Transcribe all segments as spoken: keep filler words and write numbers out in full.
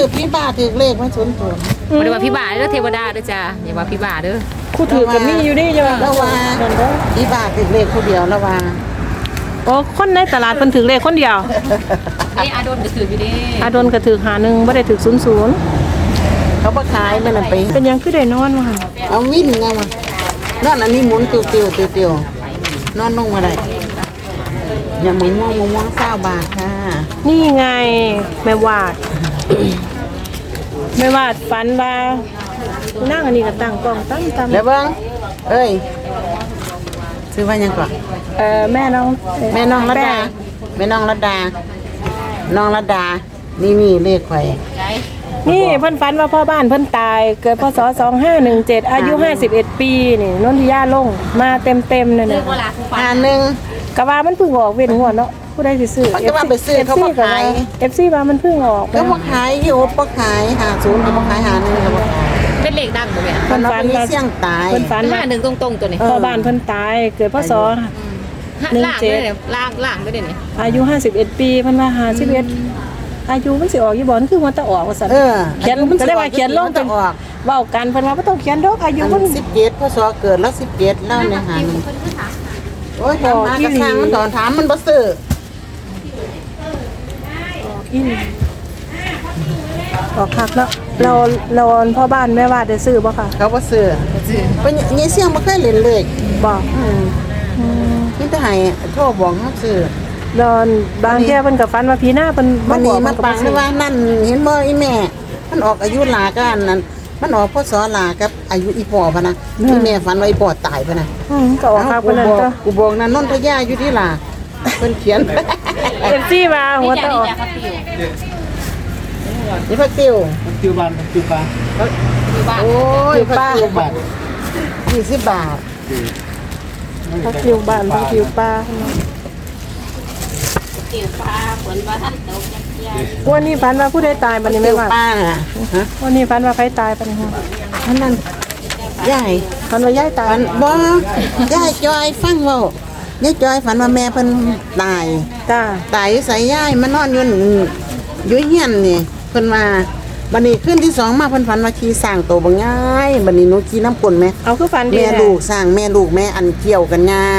อพี่บ้าถือเลขไม่สนตัวบ่ได้ว่าพี่บาเด้อเทวดาเด้อจ้าอย่าว่าพี่บาเด้อคู่ถือกับนี่อยู่นี่จ้ะแล้วว่าพี่บ้าถือเลขคนเดียวแล้วว่าโอ้คนในตลาดเพิ่นถือเลขคนเดียวนี่อาดนก็ถืออยู่เด้อาดนก็ถือหาหนึ่งบ่ได้ถือศูนย์ศูนย์เขาบ่ขายมันไปเป็นยังคือได้นอนว่าหั่นเอาวิ่นไงมานอนอันนี้หมุนติวติวติวติวนอนลงมาได้อย่ามึงม่วงม่วงเศร้าบาทค่ะนี่ไงแม่วาด แม่วาดฝันว่านั่งอันนี้ก็ตั้งกล้องตั้งตำแล้วเบิ้งเอ้ยซื้อว่ายังก่อนเอ่อแม่น้องแม่น้องรัดดาแม่น้องรัดดาน้องรัดดานี่นี่เลขไข่นี่เพิ่นฝันว่าพ่อบ้านเพิ่นตายเกิดพศสองห้าหนึ่งเจ็ดอายุห้าสิบเอ็ดปีนี่นนทิยาลงมาเต็มๆนั่นเด้อน่ะเวลาผู้ฟังอ่าหนึ่งกะว่ามันเพิ่งออกเว้นหัวเนาะผู้ใดสิซื้อมันก็ว่าไปซื้อเขาบ่ขายเอฟซีว่ามันเพิ่งออกก็มาขายที่โอ๊บก็ขายหาศูนย์ก็มาขายหาหนึ่งก็มาขายเป็นเลขดังบ่แม่มันเอาไปเสี่ยงตายเพิ่นฝันห้าว่าหนึ่งตรงๆตัวนี้พ่อบ้านเพิ่นตายเกิดพศ หนึ่งล่างเจ็เด้ดอเนี่ยล่างล่างเด้อเนี่ยอายุห้าสิบเอ็ดปีเพิ่นว่าห้าสิบเอ็ดอายุมันสิออกอยู่บ่มันคือมันจะออกว่าซั่นเออเขียนก็ได้ว่าเขียนลงจะออกเว้ากันเพิ่นว่าบ่ต้องเขียนดอกอายุอัมันนสิบเจ็ดพศเกิดแล้วสิบเจ็ดแล้วเนี่ยหาหนึ่งโอ้ยถามมากระทางมันตอนถามมันบ่ซื้ออีนี่ออกคักแล้วเราเราพ่อบ้านแม่วาดได้ซื้อบ่ค่ะเขาบ่ซื้อเป็นยี่เสี่ยงบ่เคยเล่นเลขบ่อืมนี่ถ้าให้โทรบอกเขาซื้อดอนบางแค่เพิ่นก็ฝันว่าพี่หน้าเพิ่นวันบนี้อกมันก็ปับ่งซื้เลอยว่านั่นเห็นบ่อีแม่ มันออกอายุหลากันนั่นมันออกพศหลากับอายุอีพ่อพะนะอีแม่ฝันว่าอีพ่อตายพะนะอืมก็ออกคักกูเพิ่นนั่นบอกก็กูบอกนั่นนนทยาอยู่ที่หลาเพิ่นเขียนเอฟซีว่าหัวตะออกนี่พักติวคิวบานคิวบานโอ้ยพักติวบาทยี่สิบบาทพักคิวบ้านพักคิวป้าวันนี้ฝันว่าผู้ใดตายบัดนี้ติแม่วว่าป้าน่ะฮะวันนี้ฝันว่าใครตายบัดนี้ฮะอันนั้นยายฝันว่ายายตายฝันบ่ยายจอยฟังเว้ายายจอยฝันว่าแม่เพิ่นตายจ้าตายอยู่ใส่ยายมานอนอยู่นั่นอยู่เฮียนนี่เพิ่นมาบัดนี้ขึ้นที่สองมาเพิ่นฝันว่าขี่สร้างโตบ่ง่ายบัดนี้หนูขี่น้ำกลนแม่เอาคือฝันดีแม่ลูกสร้างแม่ลูกแม่อันเกี่ยวกันยาง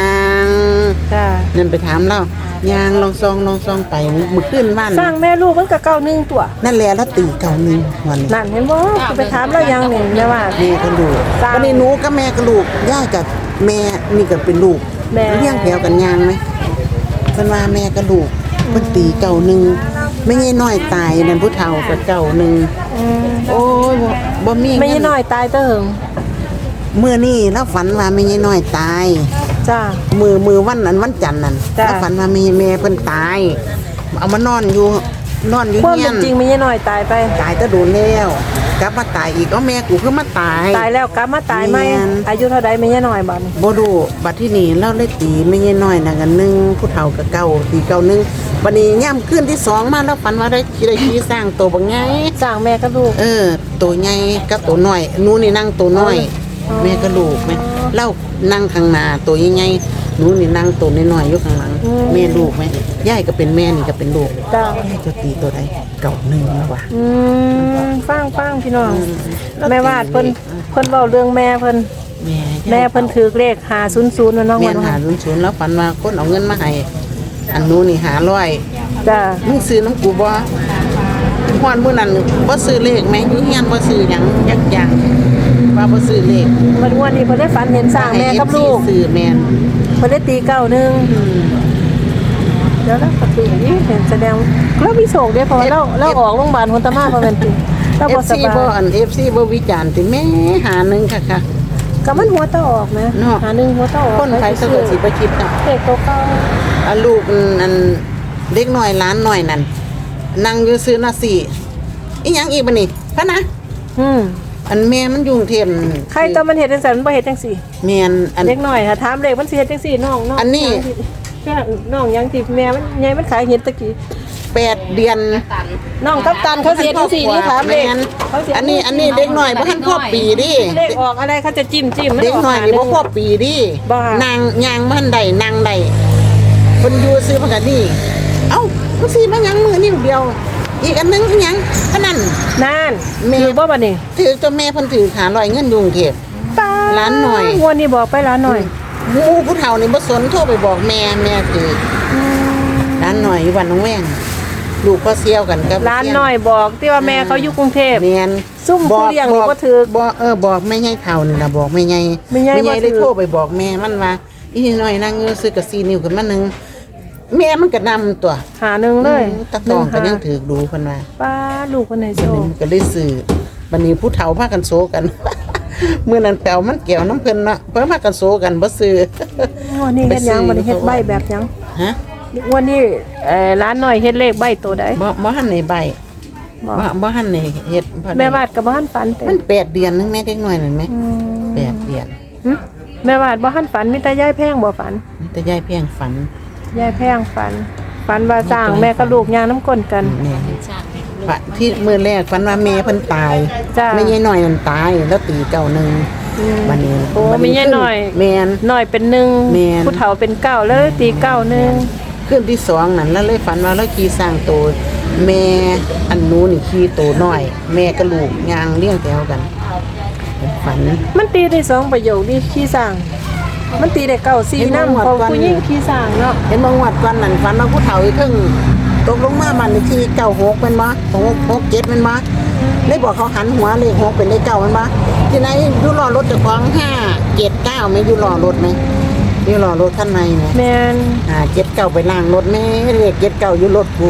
จ้านั่นไปถามเรายางลองซองลองซองไปมื้อขึ้นบ้านสร้างแม่ลูกมันก็เก้าหนึ่งตัวนั่นแหละแล้วตีเก่าหนึงวันนี้นั่นเห็นบ่ไปถามแล้วยังนี่แม่ว่าแม่ก็ลูกสร้างบัดนี้หนูกับแม่ก็ลูกยายกับแม่นี่ก็เป็นลูกแม่เลี้ยงแถวกันยางไหมเพิ่นว่าแม่ก็ลูกเพิ่นตีเก่าหนึงไม่ใช่น้อยตายนั่นผู้เฒ่าก็เก่าหนึงอืมโอ้ยบ่บ่มีไม่ใช่น้อยตายเตอเหิงเมื่อนี่แล้วฝันว่าไม่ใช่น้อยตายจ้ามือมือวันนั้นวันจันทร์นั่นจ้ะแล้วฝันว่ามีแม่เพิ่นตาย เอามานอนอยู่นอนอยู่ความเฮียเป็น นจริงไม่ใช่น้อยตายไปตายแตะโดนแล้วกลับมาตายอีกเอาแม่กูคือมาตายตายแล้วกลับมาตายไหมแม่นอายุเท่าใดไม่ใช่น้อยบัดนี้บ่รู้บัดที่นี่เราเลยตีไม่ใช่น้อยนั่นกันหนึงผู้เฒ่ากับเก่าตีเก่าหนึงบัดนี้ย่ำขึ้นที่สองมาแล้วฝันว่าได้ขี่ได้ขี่สร้างตัวบักใหญ่สร้างแม่กับลูกเออตัวใหญ่กับตัวน้อยหนูนี่นั่งตัวน้อยอ๋อแม่ก็ลูกแม่เล่านั่งข้างหน้าตัวใหญ่ๆหนูนี่นั่งตัวน้อยๆอยู่ข้างหลังแม่ลูกแม่ยายก็เป็นแม่นี่ก็เป็นลูกจ้ายายจะตีตัวใดเก่าหนึ่งแล้วว่ะอืมฟังฟังพี่น้องแม่วาดเพิ่นเพิ่นเว้าเรื่องแม่เพิ่นแม่แม่เพิ่นถือเลขห้าศูนย์ศูนย์น้องแม่วันหาว่าลุนศูนย์แล้วฝันว่าคนเอาเงินมาให้อันหนูนี่หาร้อยจ้ามึงซื้อน้ำกูบ่ฮอดมื้อนั้นบ่ซื้อเลขแม่อยู่เฮียนบ่ซื้อหยังยักอย่างว่าบ่ซื้อเลขวันวันนี้เพิ่นได้ฝันเห็นสร้างแม่กับลูกซื้อแม่นเพิ่นได้ตีเก้าหนึงแล้วแล้วก็ตีนี่เห็นแสดงแล้วมีโศกเด้เพราะว่าเราเราออกโรงพยาบาลคนตะมาบ่แม่นติเราบ่สเอฟซีบายบ่อัน เอฟ ซี บ่วิจารณ์ติแม่หาหนึงค่ะค่ะก็มันหัวตะออกนะเนาะหาหนึงหัวตะออกคนไผสะกดสิบ่คิดน่ะเด็กตัวเก่าอันลูกอันเด็กน้อยหลานน้อยนั่นนั่งอยู่ซื้อหน้าสิอีหยังอีกบัดนี้พะนะอืมอันแม่มันอยู่กรุงเทพใครตอนมันเฮ็ดจังซั่นมันบ่เฮ็ดจังซี่แม่นอันเด็กน้อยค่ะถามเลขมันสิเฮ็ดจังซี่น้องน้องอันนี้แค่น้องยังที่แม่มันยายมันขายเห็ดตะกี้แปดเดือนน้องกัปตันเขาเสียจังซี่นี่ถามเลแม่ขนเขาเสียอันนี้อันนี้เด็กน้อยบ่ทันครบปีดิเลขออกอะไรเขาจะจิ้มจิ้มมัเด็กน้อยนี่บ่ครบบปีดิบ้านางย่างบ่ทันได้นางได้เพิ่นอยู่ซื้อมากันนี่เอ้าเพิ่นสิมาหยังมื้อนี้เดียวอีกอันนึงอีหยังพนันนั่นแม่ถือบ่บัดนี้ถือตัวแม่เพิ่นถือหาร้อยเงินอยู่กรุงเทพป้าร้านหน่อยงวดนี้บอกไปร้านหน่อยหมู่ผู้เฒ่านี่บ่สนโทรไปบอกแม่แม่ถือร้านหน่อยอยู่บ้านหนองแวงลูกก็เซี่ยวกันกับร้านหน่อยบอกที่ว่าแม่เขาอยู่กรุงเทพแม่นซุ่มผู้เลี้ยงนี่บ่ถือบอกเออบอกแม่ใหญ่เฒ่านี่ล่ะบอกแม่ใหญ่แม่ใหญ่บ่ถือเลยโทรไปบอกแม่มันว่าอีนี่น้อยนางเงือซื้อกระซีนิ้วขึ้นมาหนึงแม่มันก็นำตัวหาหนึ่งเลยตะตองก็ยังหถือดูเพิ่นว่าป้าลูกคนไหนโชบัดนี้ว์มันก็เลยซื้อบัดนี้ผู้เฒ่าพากันโซกัน มื้อนั้นแปวมันแก้วน้ำเพิ่นเนาะเพิ่นพากันโซกันบ่ซื้องวดนี้เฮ็ดหยังบัดนี้เฮ็ดใบแบบหยังฮะงวดนี้เอ่อร้านหน่อยเฮ็ดเลขใบตัวใดบ่บ่ทันได้ใบบ่บ่บ่ทันได้เฮ็ดบ่ได้แม่วาดกับบ่ทันฝันเต็มันแปดเดือนนึงแม่เด็กน้อยนั่นแหมอืมแปดเดือนหึแม่วาดบ่ทันฝันมีแต่ยายแพงบ่ฝันแต่ยายเพียงฝันยายแพงฝัน ฝันว่าสร้างแม่กับลูกย่างน้ำก้นกันแม่ชาติแม่ลูกฝันที่มื้อแรกฝันว่าแม่เพิ่นตายจ้าแม่ยายน้อยนั่นตายแล้วตีเก่าหนึงบัดนี้โอ้มียายน้อยแม่นหน่อยเป็นหนึ่งแม่นผู้เฒ่าเป็นเก้าแล้วเลยตีเก้าหนึ่งคืนที่สองนั่นแล้วเลยฝันว่าเราขี่สร้างโตแม่อันนู้นนี่ขี่โตน้อย แม่กับลูกย่างเลี้ยงแถวกันฝันมันตีได้สองประโยคนี่ขี้สร้าง มันตีได้เก้าสี่เห็นบ่น้ำงวดเขาก่อนผู้หญิงขี้สร้างเนาะเห็นบางวัดก่อนนั่นฝันว่าผู้เฒ่าอีกครึ่งตกลงมาบ้านเลขที่เก้าหกเป็นบ่หกหกเจ็ดเป็นบ่เลยบอกเขาหันหัวเลขหกเป็นเลขเก้าเป็นบ่ที่ไหนอยู่รอรถเจ้าของห้าเจ็ดเก้าไหมอยู่รอรถไหมอยู่รอรถคันในไหมแมนอ่าเจ็ดเก้าไปล้างรถแม่เลขเจ็ดเก้าอยู่รถกู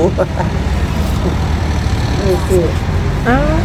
นี่คืออ้าว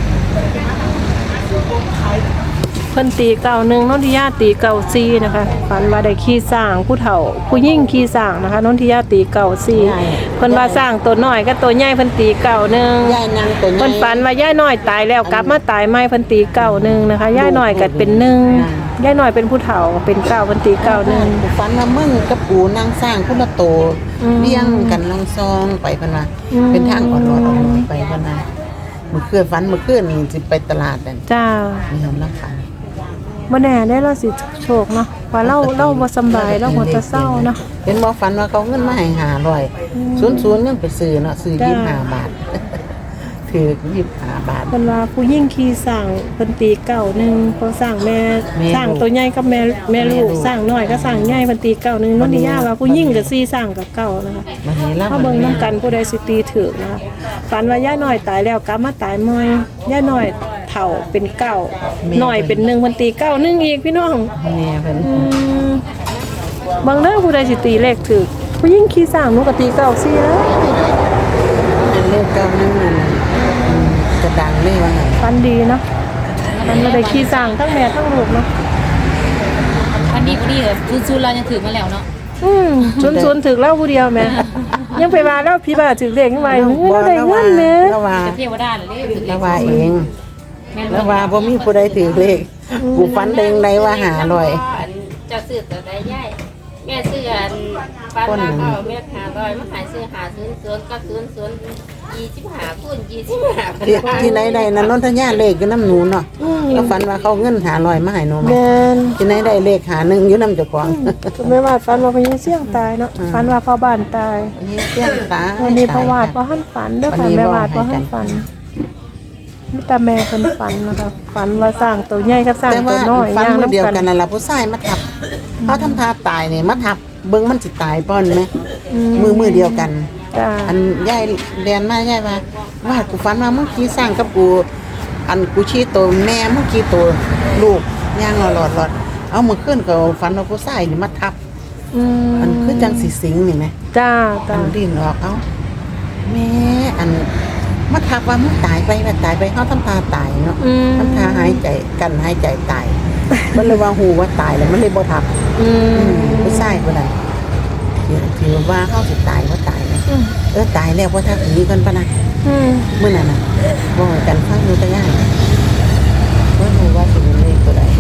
เพิ่นตีเก่าหนึ่งนนทิยาตีเก่าซีนะคะฝันว่าได้ขี้สร้างผู้เฒ่า ผู้ยิ่งขี้สร้างนะคะนนทิยาตีเก่าซีเพิ่นว่าสร้างตัวน้อยกับตัวใหญ่เพิ่นตีเก่าหนึ่งยายนางตัวใหญ่เพิ่นฝันว่าย่ายน้อยตายแล้วกลับมาตายใหม่เพิ่นตีเก่าหนึ่งนะคะย่ายน้อยก็เป็นหนึ่งย่ายน้อยเป็นผู้เฒ่าเป็นเก่าเพิ่นตีเก่าหนึ่งฝันว่ามึงกับปูนางสร้างคุณละโตอืมเลี้ยงกันลองซองไปพะนะอืมเป็นทางอ่อนรอดออกมาไปพะนะมื้อคืนฝันมื้อคืนนี่สิไปตลาดนั่นจ้ามีน้ำราคาบ่แน่ได้เราสิโชคเนาะว่าเราเราบ่สำบายเราหัวจะเศร้าเนาะเห็นบ่ฝันว่าเขาเงินมาให้ห้าร้อยศูนย์ศูนย์ยังไปซื้อเนาะซื้อจ้ายี่สิบห้าบาท ถือยี่สิบห้าบาทเพิ่นว่าผู้หญิงขี้สร้างเพิ่นตีเก่าหนึ่งเพราะสร้างแม่แม่สร้างตัวใหญ่กับแม่แม่ลูกแม่ลูกสร้างน้อยก็สร้างใหญ่เพิ่นตีเก่าหนึ่งนนทิยาว่าผู้หญิงก็สี่สร้างกับเก่านะคะมันนี้ล่ะถ้าเบิ่งน้ำกันผู้ใดสิตีถึกนะคะฝันว่าย่าน้อยตายแล้วกลับมาตายใหม่ย่าน้อยเฒ่าเป็นเก้าน้อยเป็นหนึ่งเพิ่นตีเก้าหนึ่งอีกพี่น้องแม่เพิ่นอืมบางเด้อผู้ใดสิตีเลขถึกผู้หญิงขี้สร้างหนูก็ตีเก้าสี่แล้วอันเลขเก้านึงนั่นอืมจะดังเลยว่างั้นฝันดีเนาะมันบ่ได้ขี้สร้างทั้งแม่ทั้งลูกเนาะวันนี้วันนี้เลยซูนๆเรายังถือมาแล้วเนาะอืมชุนๆถึกเล่าผู้เดียวแม่ยังไปว่าเล่าพี่บ้าถึกเลขยังไงเราได้เงินแม่แล้วว่าจะเทวดาเลยถือเลแล้วขว่าเองแม่นแล้วว่าบ่มีผู้ใดถือเลขกูฝันเองได้ว่าหาร้อยเจ้าซื้อตัวใดย่ายแม่ซื้ออันฟันมาเขาแม่หาร้อยมาขายซื้อหาศูนย์ศูนย์กับศูนย์ศูนย์ยี่สิบห้าคูณยี่สิบห้าที่ที่ไหนได้นั้นนนทญาเลขอยู่น้ำหนูเนาะแล้วฝันว่าเขาเงินหาร้อยมาให้หนูไหมแม่นที่ไหนได้เลขหาหนึ่งอยู่น้ำเจ้าของก็ไม่ว่าฝันว่าพญาเสี่ยงตายเนาะฝันว่าพ่อบ้านตายนี่เสี้ยงตาวันนี้พ่อวาดพ่อหันฝันเด้อค่ะแม่วาดพ่อหันฝันมีแต่แม่เพิ่นฝันนะคะฝันว่าสร้างตัวใหญ่กับสร้างแต่ตัว่าวน้อยฝันย่างมือเดียวน้ำกักัน นนั่นแหละผู้ชายมาทับเขาทำท่าตายเนี่ยมาทับเบิ้งมันสิตายป้อนไหมมือมือเดียวกันจ้าอันยายเรียนมาย่ายว่าว่ากูฝันว่ามึงขี่สร้างกับกู อันกูชี้ตัวแม่มึงขี่ตัวลูกย่างหลอดหลอดหลอดเอามือขึ้นก็ฝันว่าผู้ชายนี่มาทับอืมมันคือจังสีสิงนี่ไหมจ้าอัจ้านดิ้นออกเอาแม่อันมาทักว่ามึงตายไปว่าตายไปเขาทำตาตายเนาะอืมทำตาหายใจกันหายใจตาย มันเลยว่าหูว่าตายแล้วมันเลยบ่ทักอือืมมผู้ชายคนนั้นที่ที่ว่าเขาสิตายว่าตายนะอืมเออตายแล้วว่าทักหนีกันปะนะอืมเมื่อนั้นน่ะบ่ให้กันฟังอยู่ตะย่ายว่ารู้ว่าสิเป็นเลขตัวใด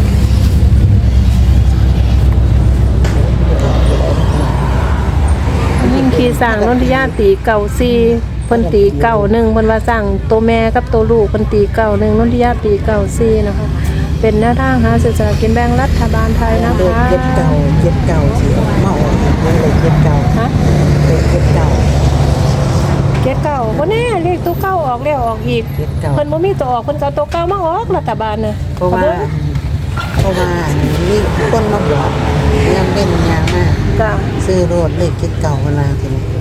ยิ่งขี่สร้างนนทิยาตีเก่าซีเพิ่นตีเก่าหนึ่งเพิ่นว่าสร้างตัวแม่กับตัวลูกเพิ่นตีเก่าหนึ่งนนทิยาตีเก่าซีนะคะ เป็นแนวทางหาเศรษฐกินแบ่งรัฐบาลไทยนะเลขคะเจ็ดเก่าเจ็ดเก่าสิเมาเลขเจ็ดเก่าฮะเลขเจ็ดเก่าเกจ็ดเก้าบ่แน่เลขตัวเก้าออกแล้วออกอีกเจ็ดเก้าเพิ่นบ่มีตัวออกเพิ่นก็เอาตัวเก้ามาออกรัฐบาลน่ะเพราะว่าเพราะว่ามีคนมาบอกยังเป็นยางมากจ้ะซื้อรถเลขเจ็ดเก้าเวลาทีนี้